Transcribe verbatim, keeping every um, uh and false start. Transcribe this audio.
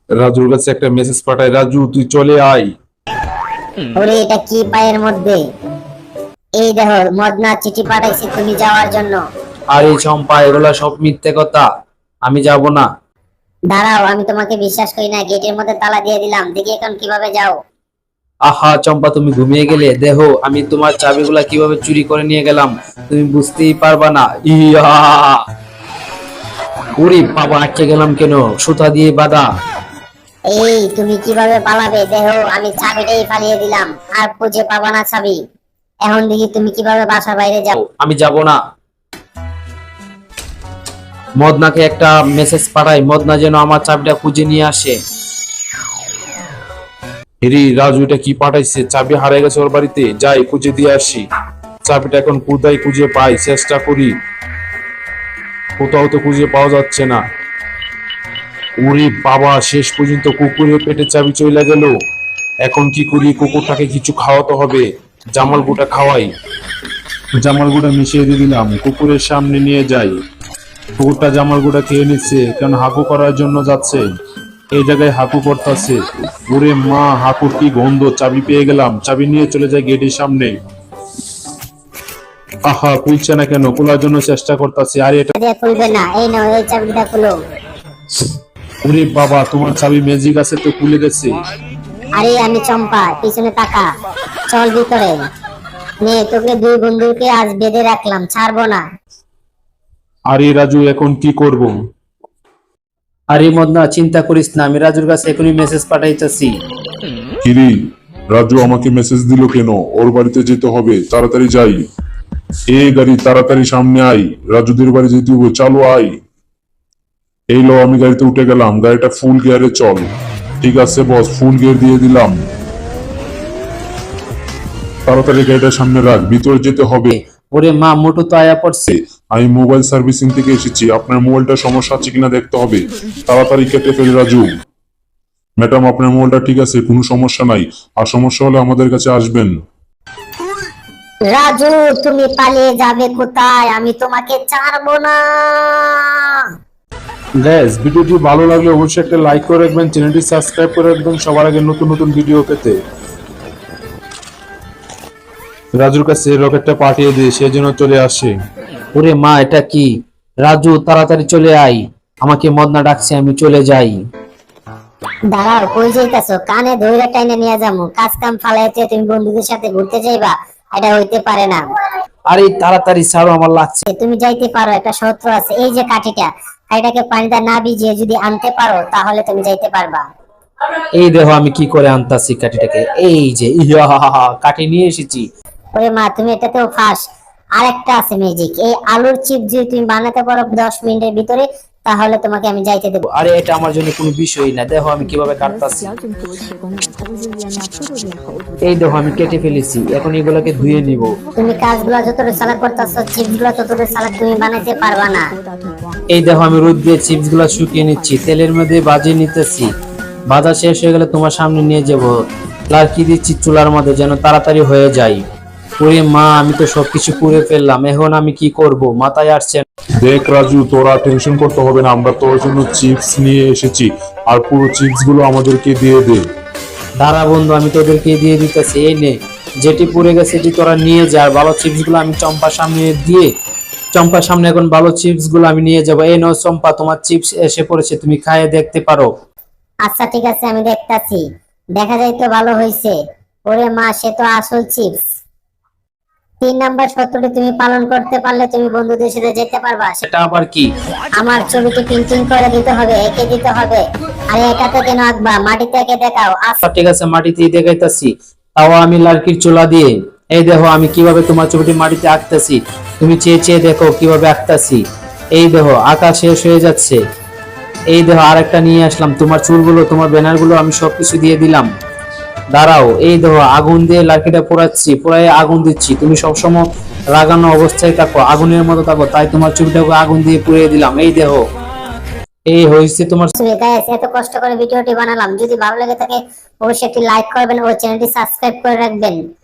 রাজুর কাছে একটা মেসেজ পাঠায়, রাজু তুই চলে আয়। ওরে এটা কি পায়ের মধ্যে? এই দেখো মদনা চিঠি পাঠাইছে তুমি যাওয়ার জন্য। আরে চম্পা, এগুলা সব মিথ্যে কথা, আমি যাব না। দাঁড়াও, আমি তোমাকে বিশ্বাস করি না, গেটের মধ্যে তালা দিয়ে দিলাম, দেখি এখন কিভাবে যাও। আহা চম্পা, তুমি ঘুমিয়ে গেলে? দেখো আমি তোমার চাবিগুলা কিভাবে চুরি করে নিয়ে গেলাম, তুমি বুঝতেই পারবা না। ইয়া, ওরে বাবা, আটকে গেলাম কেন? সুতা দিয়ে বাঁধা। এই তুমি কিভাবে পালাবে? দেখো আমি চাবিটাই ফালিয়ে দিলাম, আর খুঁজে পাবা না চাবি। এখন দেখি তুমি কিভাবে বাসার বাইরে যাও। আমি যাব না। মদনাকে একটা মেসেজ পাঠাই, মদনা যেন আমার চাবিটা খুঁজে নিয়ে আসে। হেরি, রাজু এটা কি পাঠাইছে? চাবি হারিয়ে গেছে ওর বাড়িতে, যাই খুঁজে দিয়ে আসি। চাবিটা এখন কোথায় খুঁজে পাই, চেষ্টা করি। কোথাও তো খুঁজে পাওয়া যাচ্ছে না। ওরে বাবা, শেষ পর্যন্ত কুকুরের পেটে চাবি চলে গেল। এখন কি করি? কুকুরটাকে কিছু খাওয়াতে হবে। জামাল গুটা খাওয়াই। জামাল গুটা মিশিয়ে দিয়ে দিলাম, কুকুরের সামনে নিয়ে যাই। কুকুরটা জামাল গুটা খেয়ে নিচ্ছে, কারণ হাঁকু করার জন্য যাচ্ছে। এই জায়গায় হাঁকু করতেছে। ওরে মা, হাঁকুর কি গন্ধ! চাবি পেয়ে গেলাম, চাবি নিয়ে চলে যায় গেটের সামনে। আহা, খুলছে না কেন? খোলার জন্য চেষ্টা করতেছে। আরে এটা, আরে খুলবে না, এই নাও এই চাবিটা খুলো। ওরে বাবা, তোমার চাবি ম্যাজিক আছে তো, খুলে গেছে। আরে আমি চম্পা, পিছনে তাকা, চল ভিতরে। নে তোকে দুই বন্ধুকে আজ বেঁধে রাখলাম, ছাড়বো না। আরে রাজু, এখন কি করব? আরে মদনা, চিন্তা করিস না, আমি রাজুর কাছে এখনই মেসেজ পাঠাইতেছি। কিরে, রাজু আমাকে মেসেজ দিল কেন? ওর বাড়িতে যেতে হবে, তাড়াতাড়ি যাই। এ গাড়ি, তাড়াতাড়ি সামনে আই, রাজুদের বাড়ি যেতে হবে, চালু আই। এই লো, আমি গাড়িতে উঠে গেলাম, গাড়িটা ফুল গিয়ারে চল। ঠিক আছে বস, ফুল গিয়ার দিয়ে দিলাম। তাড়াতাড়ি গাড়িটা সামনে রাখ, ভিতরে যেতে হবে। ওরে মা, মোটু তো আয়া পড়ছে। আমি মোবাইল সার্ভিসিং থেকে এসেছি, আপনার মোবাইলটা সমস্যা আছে কিনা দেখতে হবে। তাড়াতাড়ি কেটে ফেল রাজু। ম্যাডাম, আপনার মোবাইলটা ঠিক আছে, কোনো সমস্যা নাই। আর সমস্যা হলে আমাদের কাছে আসবেন। রাজু তুমি পালিয়ে যাবে কোথায়? আমি তোমাকে ছাড়বো না। গাইস, ভিডিওটি ভালো লাগলে অবশ্যই একটা লাইক করে রাখবেন, চ্যানেলটি সাবস্ক্রাইব করে রাখবেন সবার আগে নতুন নতুন ভিডিও পেতে। রাজুর কাছে রকেটটা পাঠিয়ে দিয়ে সে যেন চলে আসে। ওরে মা, এটা কি? রাজু তাড়াতাড়ি চলে আয়, আমাকে মদনা ডাকছে, আমি চলে যাই। দাঁড়াও, কই যাইতাছো? কানে ধইরা টাইনে নিয়ে যাবো। কাজ কাম ফালাইতে তুমি বন্ধুদের সাথে ঘুরতে যাইবা? এটা হইতে পারে না। আরে তাড়াতাড়ি ছাড়ো, আমার লাগছে। তুমি যাইতে পারো, একটা শত্রু আছে। এই যে কাঠিটা, কাঠিটাকে পানিতে না ভিজিয়ে যদি আনতে পারো তাহলে তুমি যাইতে পারবা। এই দেখো আমি কি করে আনতাছি কাঠিটাকে। এই যে ইয়া, কাঠি নিয়ে এসেছি। ওরে মা, তুমি এটাতেও ফাঁস। আরেকটা আছে ম্যাজিক, এই আলুর চিপ যদি তুমি বানাতে পারো দশ মিনিটের ভিতরে, তাহলে তোমাকে আমি যাইতে দেবো। আরে এটা আমার জন্য কোনো বিষয়ই না, দেখো আমি কিভাবে কাটতাছি। 标准图提供了它的语言呢，速度也好。 এই দেখো আমি কেটে ফেলেছি, এখন এগুলোকে ধুয়ে নিব। তুমি কাজগুলো যতটুকু সালাদ করতেছো, চিপসগুলো ততটুকু সালাদ তুমি বানাইতে পারবা না। 得到曙光。 এই দেখো আমি রোদ দিয়ে চিপস গুলা শুকিয়ে নিচ্ছি, তেলের মধ্যে ভাজিয়ে নিতেছি। ভাজা শেষ হয়ে গেলে তোমার সামনে নিয়ে যাব। লাড়কি দিচ্ছি চুলার মধ্যে যেন তাড়াতাড়ি হয়ে যায়। ওরে মা, আমি তো সবকিছু করে ফেললাম, এখন আমি কি করব মাথায় আসছে না। দেখ রাজু, তোরা টেনশন করতে হবে না, আমরা তোর জন্য চিপস নিয়ে এসেছি, আর পুরো চিপস গুলো আমাদেরকে দিয়ে দে। দাঁড়া বন্ধু, আমি তোদেরকে দিয়ে দিতেছি, এই নে, যেটি পুড়ে গেছে সেটি তোরা নিয়ে যা। আর ভালো চিপস গুলো আমি চম্পার সামনে দিয়ে, চম্পার সামনে এখন ভালো চিপস গুলো আমি নিয়ে যাবো। এই নাও চম্পা, তোমার চিপস এসে পড়েছে, তুমি খাইয়ে দেখতে পারো। আচ্ছা ঠিক আছে, আমি দেখতাছি। দেখা যায় তো ভালো হয়েছে। ওরে মা, সে তো আসল চিপস। তিন নাম্বার সত্যটি তুমি পালন করতে পারলে তুমি বন্ধুদের সাথে যেতে পারবা। সেটা আবার কি? আমার ছবিটি প্রিন্টিং করে দিতে হবে, এঁকে দিতে হবে। আরে এটাতে কেন আঁকবা? মাটিতে এঁকে দেখাও। আচ্ছা আচ্ছা ঠিক আছে, মাটিতেই দেখাইতাছি, তাও আমি লার্কির চুলা দিয়ে। এই দেখো আমি কিভাবে তোমার ছবিটি মাটিতে আঁকতাছি, তুমি চেয়ে চেয়ে দেখো কিভাবে আঁকতাছি। এই দেখো আঁকা শেষ হয়ে যাচ্ছে। এই দেখো আরেকটা নিয়ে আসলাম, তোমার চুলগুলো তোমার ব্যানার গুলো আমি সবকিছু দিয়ে দিলাম। দাঁড়াও, এই দেখো আগুন দিয়ে লার্কিটা পোড়াচ্ছি, পোড়াই আগুন দিচ্ছি। তুমি সবসময় লাগানো অবস্থায় থাকো, আগুনের মতো থাকো, তাই তোমার ছবিটাকে আগুন দিয়ে পুড়িয়ে দিলাম। এই দেখো, এই হয়েছে তোমার। গাইস, এত কষ্ট করে ভিডিওটি বানালাম, যদি ভালো লেগে থাকে অবশ্যই একটি লাইক করবেন ও চ্যানেলটি সাবস্ক্রাইব করে রাখবেন।